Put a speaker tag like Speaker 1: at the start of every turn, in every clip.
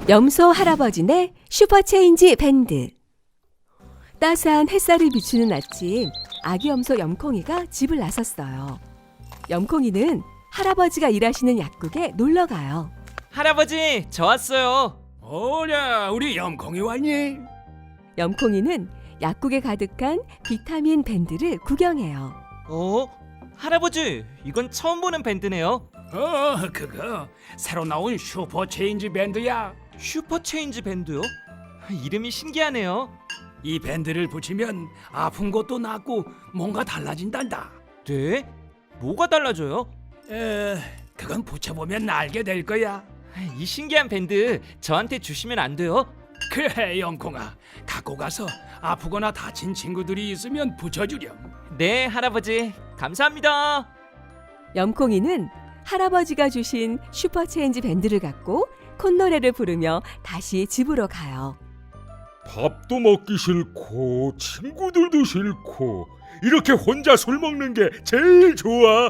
Speaker 1: 염소 할아버지네 슈퍼체인지 밴드. 따스한 햇살이 비추는 아침, 아기 염소 염콩이가 집을 나섰어요. 염콩이는 할아버지가 일하시는 약국에 놀러 가요.
Speaker 2: 할아버지, 저 왔어요.
Speaker 3: 오ля, 우리 염콩이 왔니?
Speaker 1: 염콩이는 약국에 가득한 비타민 밴드를 구경해요.
Speaker 2: 할아버지, 이건 처음 보는 밴드네요.
Speaker 3: 그거 새로 나온 슈퍼체인지 밴드야.
Speaker 2: 슈퍼체인지 밴드요? 이름이 신기하네요.
Speaker 3: 이 밴드를 붙이면 아픈 것도 낫고 뭔가 달라진단다.
Speaker 2: 네? 뭐가 달라져요?
Speaker 3: 그건 붙여보면 알게 될 거야.
Speaker 2: 이 신기한 밴드 저한테 주시면 안 돼요?
Speaker 3: 그래, 염콩아, 갖고 가서 아프거나 다친 친구들이 있으면 붙여주렴.
Speaker 2: 네, 할아버지. 감사합니다.
Speaker 1: 염콩이는 할아버지가 주신 슈퍼체인지 밴드를 갖고 콧노래를 부르며 다시 집으로 가요.
Speaker 4: 밥도 먹기 싫고 친구들도 싫고 이렇게 혼자 술 먹는 게 제일 좋아.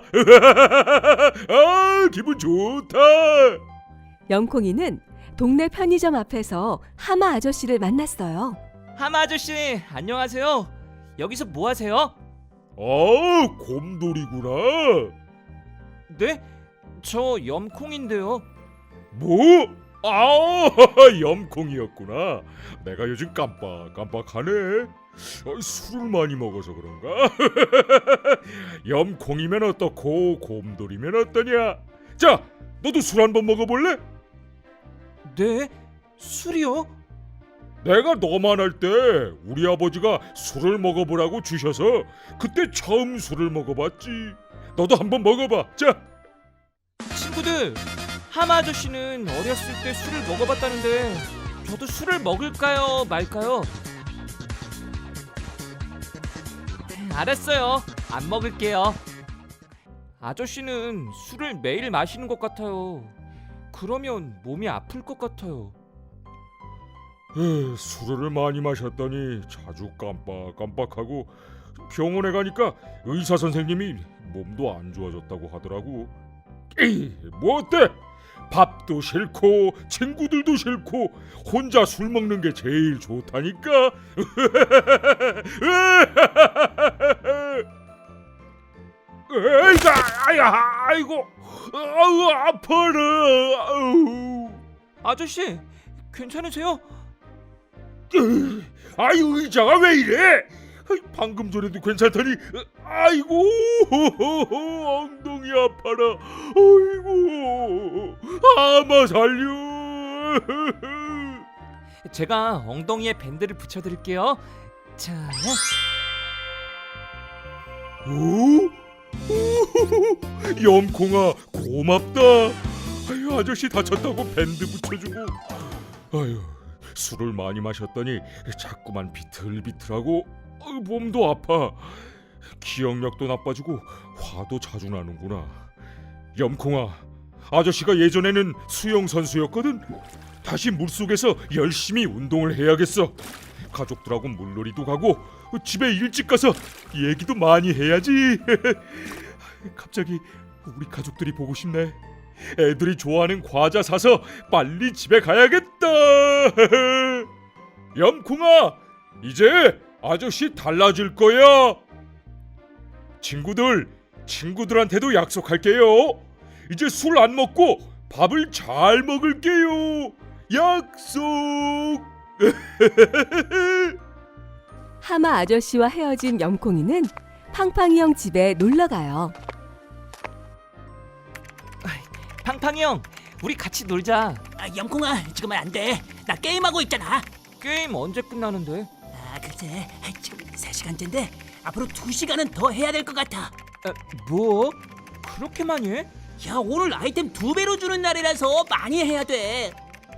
Speaker 4: 아, 기분 좋다.
Speaker 1: 염콩이는 동네 편의점 앞에서 하마 아저씨를 만났어요.
Speaker 2: 하마 아저씨, 안녕하세요. 여기서 뭐 하세요?
Speaker 4: 아, 곰돌이구나.
Speaker 2: 네? 저 염콩인데요.
Speaker 4: 뭐? 아, 염콩이었구나. 내가 요즘 깜빡깜빡하네. 술을 많이 먹어서 그런가? 염콩이면 어떻고 곰돌이면 어떠냐? 자, 너도 술 한번 먹어볼래?
Speaker 2: 네? 술이요?
Speaker 4: 내가 너만 할 때 우리 아버지가 술을 먹어보라고 주셔서 그때 처음 술을 먹어봤지. 너도 한번 먹어봐. 자.
Speaker 2: 친구들, 하마 아저씨는 어렸을 때 술을 먹어봤다는데 저도 술을 먹을까요, 말까요? 알았어요. 안 먹을게요. 아저씨는 술을 매일 마시는 것 같아요. 그러면 몸이 아플 것 같아요.
Speaker 4: 술을 많이 마셨더니 자주 깜빡깜빡하고 병원에 가니까 의사 선생님이 몸도 안 좋아졌다고 하더라고. 뭐 어때? 밥도 싫고 친구들도 싫고 혼자 술 먹는 게 제일 좋다니까. 아이고, 아파라.
Speaker 2: 아저씨, 괜찮으세요?
Speaker 4: 의자가 왜 이래? 방금 전에도 괜찮더니 아이고, 엉덩이 아파라. 아이고, 아마 살려.
Speaker 2: 제가 엉덩이에 밴드를 붙여드릴게요. 자,
Speaker 4: 염콩아, 고맙다. 아유, 아저씨 다쳤다고 밴드 붙여주고. 아유, 술을 많이 마셨더니 자꾸만 비틀비틀하고 몸도 아파. 기억력도 나빠지고 화도 자주 나는구나. 염콩아, 아저씨가 예전에는 수영 선수였거든. 다시 물속에서 열심히 운동을 해야겠어. 가족들하고 물놀이도 가고 집에 일찍 가서 얘기도 많이 해야지. 갑자기 우리 가족들이 보고 싶네. 애들이 좋아하는 과자 사서 빨리 집에 가야겠다. 염콩아, 이제 아저씨 달라질 거야. 친구들한테도 약속할게요. 이제 술 안 먹고 밥을 잘 먹을게요. 약속.
Speaker 1: 하마 아저씨와 헤어진 염콩이는 팡팡이 형 집에 놀러 가요.
Speaker 2: 팡팡이 형, 우리 같이 놀자.
Speaker 5: 염콩아, 지금은 안 돼. 나 게임하고 있잖아.
Speaker 2: 게임 언제 끝나는데?
Speaker 5: 글쎄, 지금 3시간째인데 앞으로 2시간은 더 해야 될 것 같아.
Speaker 2: 뭐? 그렇게 많이 해?
Speaker 5: 야, 오늘 아이템 2배로 주는 날이라서 많이 해야 돼.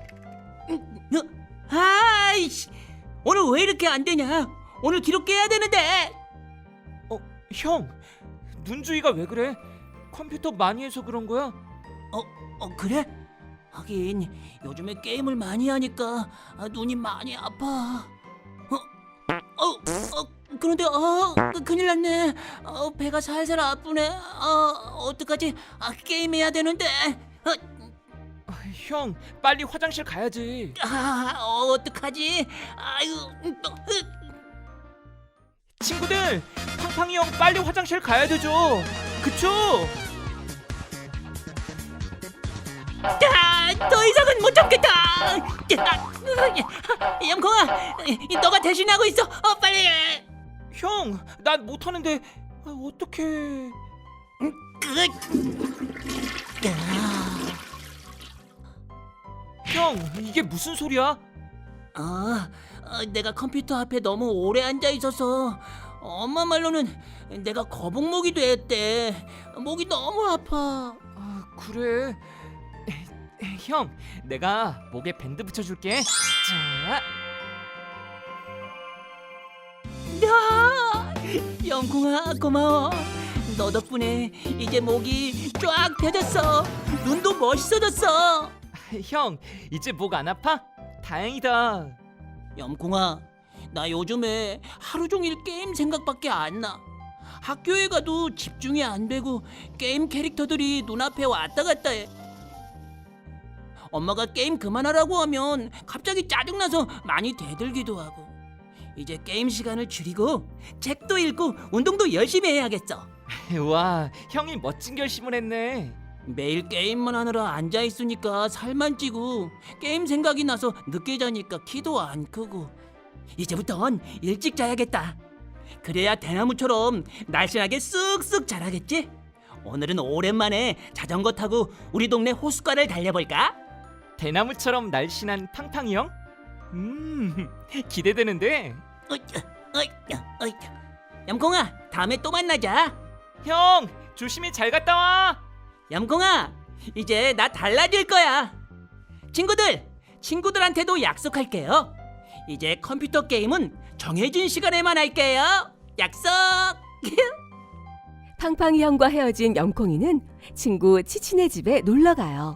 Speaker 5: 아이씨, 오늘 왜 이렇게 안 되냐? 오늘 기록 깨야 되는데.
Speaker 2: 형, 눈주위가 왜 그래? 컴퓨터 많이 해서 그런 거야?
Speaker 5: 그래? 하긴 요즘에 게임을 많이 하니까 눈이 많이 아파. 그런데 큰일 났네. 배가 살살 아프네. 어떡하지? 게임해야 되는데.
Speaker 2: 형, 빨리 화장실 가야지.
Speaker 5: 어떡하지? 아유,
Speaker 2: 친구들, 팡팡이 형 빨리 화장실 가야 되죠. 그쵸?
Speaker 5: 더 이상은 못 참겠다. 염콩아, 너가 대신하고 있어. 빨리.
Speaker 2: 형, 난 못하는데 어떡해. 형, 이게 무슨 소리야?
Speaker 5: 내가 컴퓨터 앞에 너무 오래 앉아 있어서 엄마 말로는 내가 거북목이 됐대. 목이 너무 아파.
Speaker 2: 그래. 형, 내가 목에 밴드 붙여줄게. 자,
Speaker 5: 영콩아, 고마워. 너 덕분에 이제 목이 쫙 펴졌어. 눈도 멋있어졌어.
Speaker 2: 형, 이제 목 안 아파? 다행이다.
Speaker 5: 염콩아, 나 요즘에 하루 종일 게임 생각밖에 안 나. 학교에 가도 집중이 안 되고 게임 캐릭터들이 눈앞에 왔다 갔다 해. 엄마가 게임 그만하라고 하면 갑자기 짜증나서 많이 대들기도 하고. 이제 게임 시간을 줄이고 책도 읽고 운동도 열심히 해야겠어.
Speaker 2: 와, 형이 멋진 결심을 했네.
Speaker 5: 매일 게임만 하느라 앉아 있으니까 살만 찌고 게임 생각이 나서 늦게 자니까 키도 안 크고. 이제부턴 일찍 자야겠다. 그래야 대나무처럼 날씬하게 쑥쑥 자라겠지? 오늘은 오랜만에 자전거 타고 우리 동네 호숫가를 달려볼까?
Speaker 2: 대나무처럼 날씬한 팡팡이 형? 기대되는데.
Speaker 5: 염콩아, 다음에 또 만나자.
Speaker 2: 형, 조심히 잘 갔다 와.
Speaker 5: 염콩아, 이제 나 달라질 거야. 친구들한테도 약속할게요. 이제 컴퓨터 게임은 정해진 시간에만 할게요. 약속.
Speaker 1: 팡팡이 형과 헤어진 영콩이는 친구 치치네 집에 놀러 가요.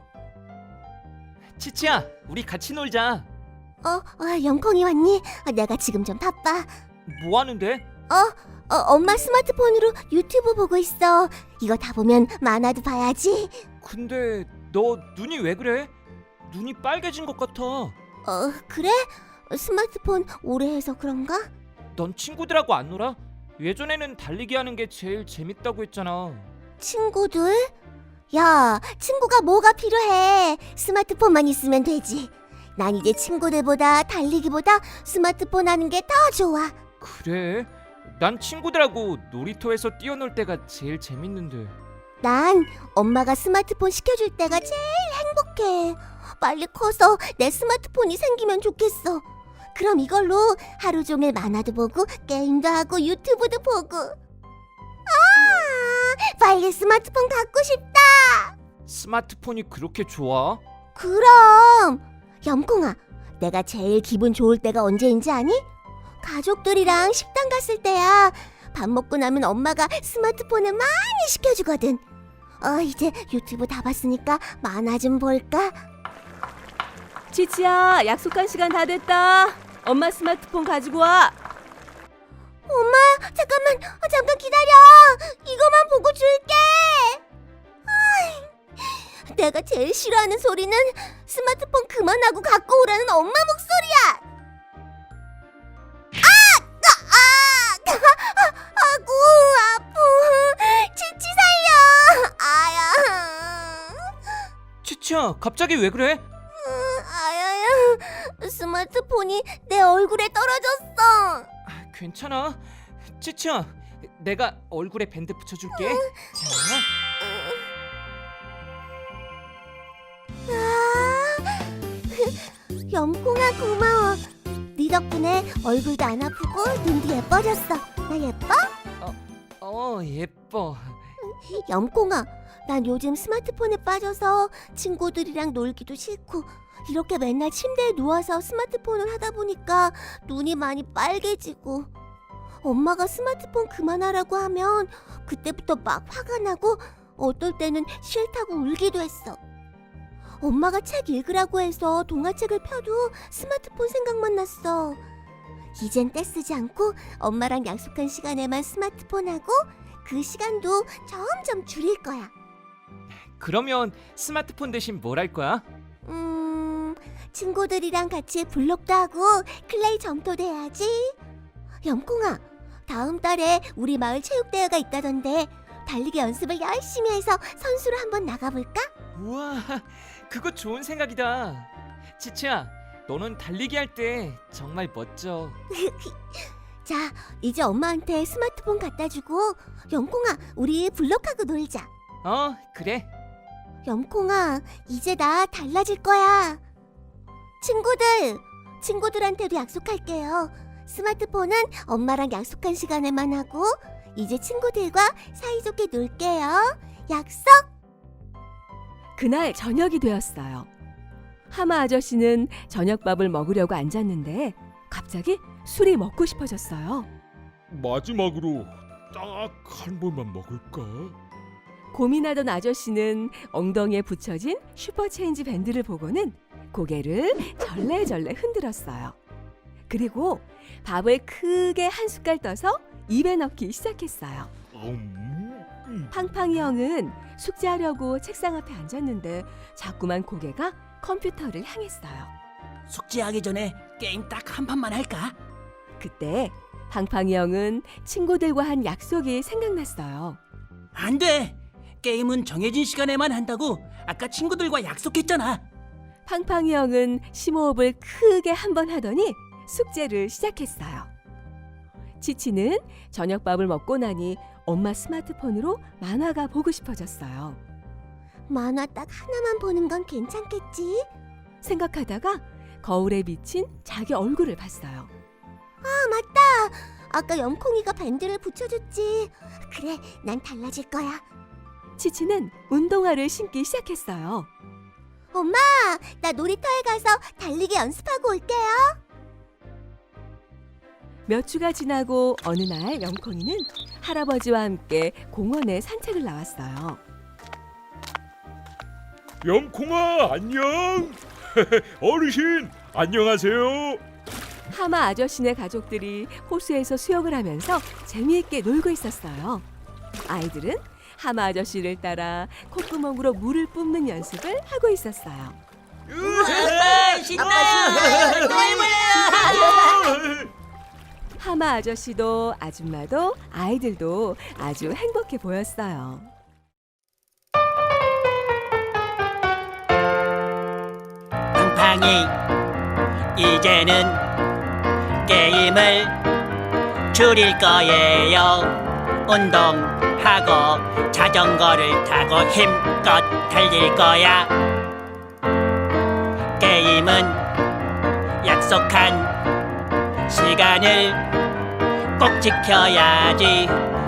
Speaker 2: 치치야, 우리 같이 놀자.
Speaker 6: 영콩이 왔니? 내가 지금 좀 바빠.
Speaker 2: 뭐 하는데?
Speaker 6: 엄마 스마트폰으로 유튜브 보고 있어. 이거 다 보면 만화도 봐야지.
Speaker 2: 근데 너 눈이 왜 그래? 눈이 빨개진 것 같아.
Speaker 6: 그래? 스마트폰 오래 해서 그런가?
Speaker 2: 넌 친구들하고 안 놀아? 예전에는 달리기 하는 게 제일 재밌다고 했잖아.
Speaker 6: 친구들? 야, 친구가 뭐가 필요해? 스마트폰만 있으면 되지. 난 이제 친구들보다 달리기보다 스마트폰 하는 게 더 좋아.
Speaker 2: 그래? 난 친구들하고 놀이터에서 뛰어놀 때가 제일 재밌는데.
Speaker 6: 난 엄마가 스마트폰 시켜줄 때가 제일 행복해. 빨리 커서 내 스마트폰이 생기면 좋겠어. 그럼 이걸로 하루 종일 만화도 보고 게임도 하고 유튜브도 보고. 빨리 스마트폰 갖고 싶다.
Speaker 2: 스마트폰이 그렇게 좋아?
Speaker 6: 그럼. 염콩아, 내가 제일 기분 좋을 때가 언제인지 아니? 가족들이랑 식당 갔을 때야. 밥 먹고 나면 엄마가 스마트폰을 많이 시켜주거든. 이제 유튜브 다 봤으니까 만화 좀 볼까?
Speaker 1: 치치야, 약속한 시간 다 됐다. 엄마 스마트폰 가지고 와.
Speaker 6: 엄마, 잠깐 기다려. 이거만 보고 줄게. 내가 제일 싫어하는 소리는 스마트폰 그만하고 갖고 오라는 엄마 목소리야. 아구 아프. 치치 살려. 아야.
Speaker 2: 치치야, 갑자기 왜 그래?
Speaker 6: 아야야. 스마트폰이 내 얼굴에 떨어졌어.
Speaker 2: 괜찮아. 치치야, 내가 얼굴에 밴드 붙여줄게. 자,
Speaker 6: 염콩아 고마워. 네 덕분에 얼굴도 안 아프고 눈도 예뻐졌어. 나 예뻐?
Speaker 2: 예뻐.
Speaker 6: 염콩아, 난 요즘 스마트폰에 빠져서 친구들이랑 놀기도 싫고 이렇게 맨날 침대에 누워서 스마트폰을 하다 보니까 눈이 많이 빨개지고 엄마가 스마트폰 그만하라고 하면 그때부터 막 화가 나고 어떨 때는 싫다고 울기도 했어. 엄마가 책 읽으라고 해서 동화책을 펴도 스마트폰 생각만 났어. 이젠 떼쓰지 않고 엄마랑 약속한 시간에만 스마트폰 하고 그 시간도 점점 줄일 거야.
Speaker 2: 그러면 스마트폰 대신 뭘 할 거야?
Speaker 6: 친구들이랑 같이 블록도 하고 클레이 점토도 해야지. 염콩아, 다음 달에 우리 마을 체육대회가 있다던데 달리기 연습을 열심히 해서 선수로 한번 나가볼까?
Speaker 2: 우와, 그거 좋은 생각이다. 치치야, 너는 달리기 할 때 정말 멋져.
Speaker 6: 자, 이제 엄마한테 스마트폰 갖다 주고 염콩아, 우리 블록하고 놀자.
Speaker 2: 그래.
Speaker 6: 염콩아, 이제 나 달라질 거야. 친구들한테도 약속할게요. 스마트폰은 엄마랑 약속한 시간에만 하고 이제 친구들과 사이좋게 놀게요. 약속?
Speaker 1: 그날 저녁이 되었어요. 하마 아저씨는 저녁밥을 먹으려고 앉았는데 갑자기 술이 먹고 싶어졌어요.
Speaker 4: 마지막으로 딱 한 번만 먹을까?
Speaker 1: 고민하던 아저씨는 엉덩이에 붙여진 슈퍼체인지 밴드를 보고는 고개를 절레절레 흔들었어요. 그리고 밥을 크게 한 숟갈 떠서 입에 넣기 시작했어요. 팡팡이 형은 숙제하려고 책상 앞에 앉았는데 자꾸만 고개가 컴퓨터를 향했어요.
Speaker 5: 숙제하기 전에 게임 딱 한 판만 할까?
Speaker 1: 그때 팡팡이 형은 친구들과 한 약속이 생각났어요.
Speaker 5: 안 돼. 게임은 정해진 시간에만 한다고 아까 친구들과 약속했잖아.
Speaker 1: 팡팡이 형은 심호흡을 크게 한 번 하더니 숙제를 시작했어요. 치치는 저녁밥을 먹고 나니 엄마 스마트폰으로 만화가 보고 싶어졌어요.
Speaker 6: 만화 딱 하나만 보는 건 괜찮겠지?
Speaker 1: 생각하다가 거울에 비친 자기 얼굴을 봤어요.
Speaker 6: 아, 맞다. 아까 염콩이가 밴드를 붙여줬지. 그래, 난 달라질 거야.
Speaker 1: 치치는 운동화를 신기 시작했어요.
Speaker 6: 엄마, 나 놀이터에 가서 달리기 연습하고 올게요.
Speaker 1: 몇 주가 지나고 어느 날 영콩이는 할아버지와 함께 공원에 산책을 나왔어요.
Speaker 4: 염콩아 안녕. 어르신 안녕하세요.
Speaker 1: 하마 아저씨네 가족들이 호수에서 수영을 하면서 재미있게 놀고 있었어요. 아이들은 하마 아저씨를 따라 콧구멍으로 물을 뿜는 연습을 하고 있었어요.
Speaker 5: 신나! 또 해봐요!
Speaker 1: 하마 아저씨도 아줌마도 아이들도 아주 행복해 보였어요.
Speaker 5: 팡팡이, 이제는 게임을 줄일 거예요. 운동하고 자전거를 타고 힘껏 달릴 거야. 게임은 약속한 시간을 꼭 지켜야지.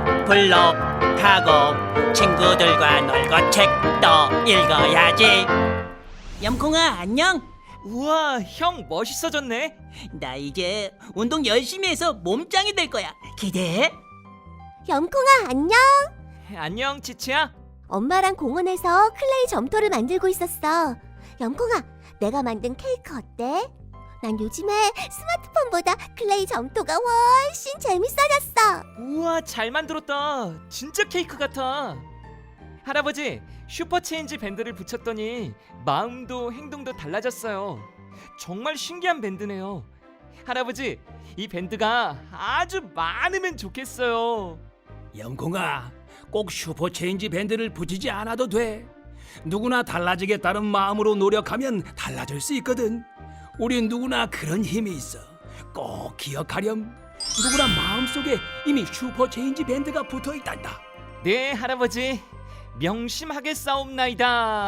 Speaker 5: 블록하고 친구들과 놀고 책도 읽어야지. 염콩아, 안녕.
Speaker 2: 우와, 형 멋있어졌네.
Speaker 5: 나 이제 운동 열심히 해서 몸짱이 될 거야. 기대해.
Speaker 6: 염콩아, 안녕.
Speaker 2: 안녕, 치치야.
Speaker 6: 엄마랑 공원에서 클레이 점토를 만들고 있었어. 염콩아, 내가 만든 케이크 어때? 난 요즘에 스마트폰보다 클레이 점토가 훨씬 재밌어졌어.
Speaker 2: 우와, 잘 만들었다. 진짜 케이크 같아. 할아버지, 슈퍼체인지 밴드를 붙였더니 마음도 행동도 달라졌어요. 정말 신기한 밴드네요. 할아버지, 이 밴드가 아주 많으면 좋겠어요.
Speaker 3: 영콩아, 꼭 슈퍼체인지 밴드를 붙이지 않아도 돼. 누구나 달라지겠다는 마음으로 노력하면 달라질 수 있거든. 우린 누구나 그런 힘이 있어. 꼭 기억하렴. 누구나 마음속에 이미 슈퍼체인지 밴드가 붙어있단다.
Speaker 2: 네, 할아버지. 명심하겠사옵나이다.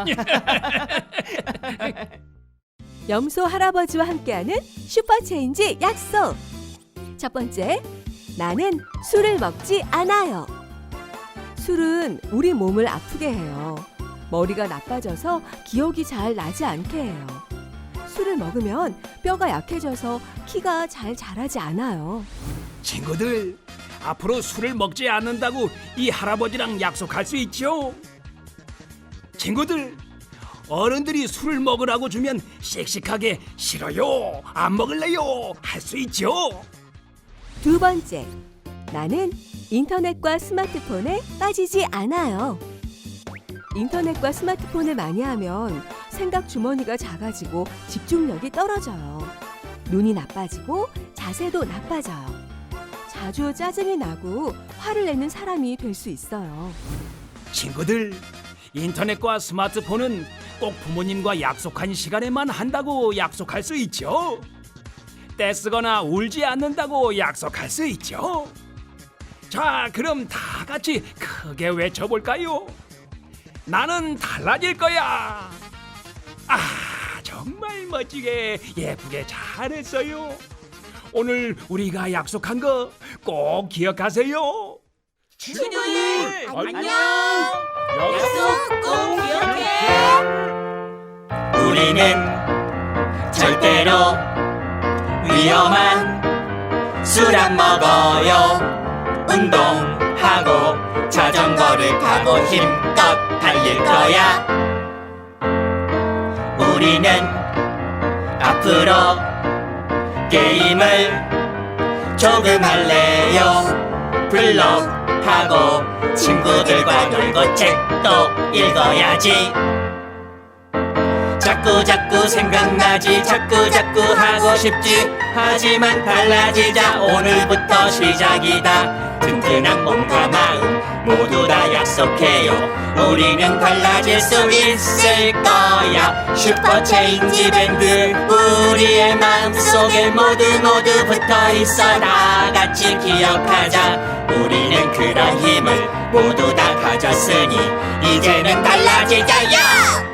Speaker 1: 염소 할아버지와 함께하는 슈퍼체인지 약속. 첫 번째, 나는 술을 먹지 않아요. 술은 우리 몸을 아프게 해요. 머리가 나빠져서 기억이 잘 나지 않게 해요. 술을 먹으면 뼈가 약해져서 키가 잘 자라지 않아요.
Speaker 3: 친구들, 앞으로 술을 먹지 않는다고 이 할아버지랑 약속할 수 있죠? 친구들, 어른들이 술을 먹으라고 주면 씩씩하게 싫어요, 안 먹을래요 할 수 있죠?
Speaker 1: 두 번째, 나는 인터넷과 스마트폰에 빠지지 않아요. 인터넷과 스마트폰을 많이 하면 생각 주머니가 작아지고 집중력이 떨어져요. 눈이 나빠지고 자세도 나빠져요. 자주 짜증이 나고 화를 내는 사람이 될 수 있어요.
Speaker 3: 친구들, 인터넷과 스마트폰은 꼭 부모님과 약속한 시간에만 한다고 약속할 수 있죠. 떼쓰거나 울지 않는다고 약속할 수 있죠. 자, 그럼 다 같이 크게 외쳐볼까요? 나는 달라질 거야. 아, 정말 멋지게 예쁘게 잘했어요. 오늘 우리가 약속한 거 꼭 기억하세요.
Speaker 5: 친구들
Speaker 4: 안녕.
Speaker 5: 약속 꼭 기억해.
Speaker 7: 우리는 절대로 위험한 술 안 먹어요. 운동하고 자전거를 타고 힘껏 달릴 거야. 우리는 앞으로 게임을 조금 할래요. 블록하고 친구들과 놀고 책도 읽어야지. 자꾸 생각나지, 자꾸 하고 싶지. 하지만 달라지자, 오늘부터 시작이다. 튼튼한 몸과 마음 모두 다 약속해요. 우리는 달라질 수 있을 거야. 슈퍼체인지 밴드 우리의 마음속에 모두 붙어 있어. 다 같이 기억하자. 우리는 그런 힘을 모두 다 가졌으니 이제는 달라지자요.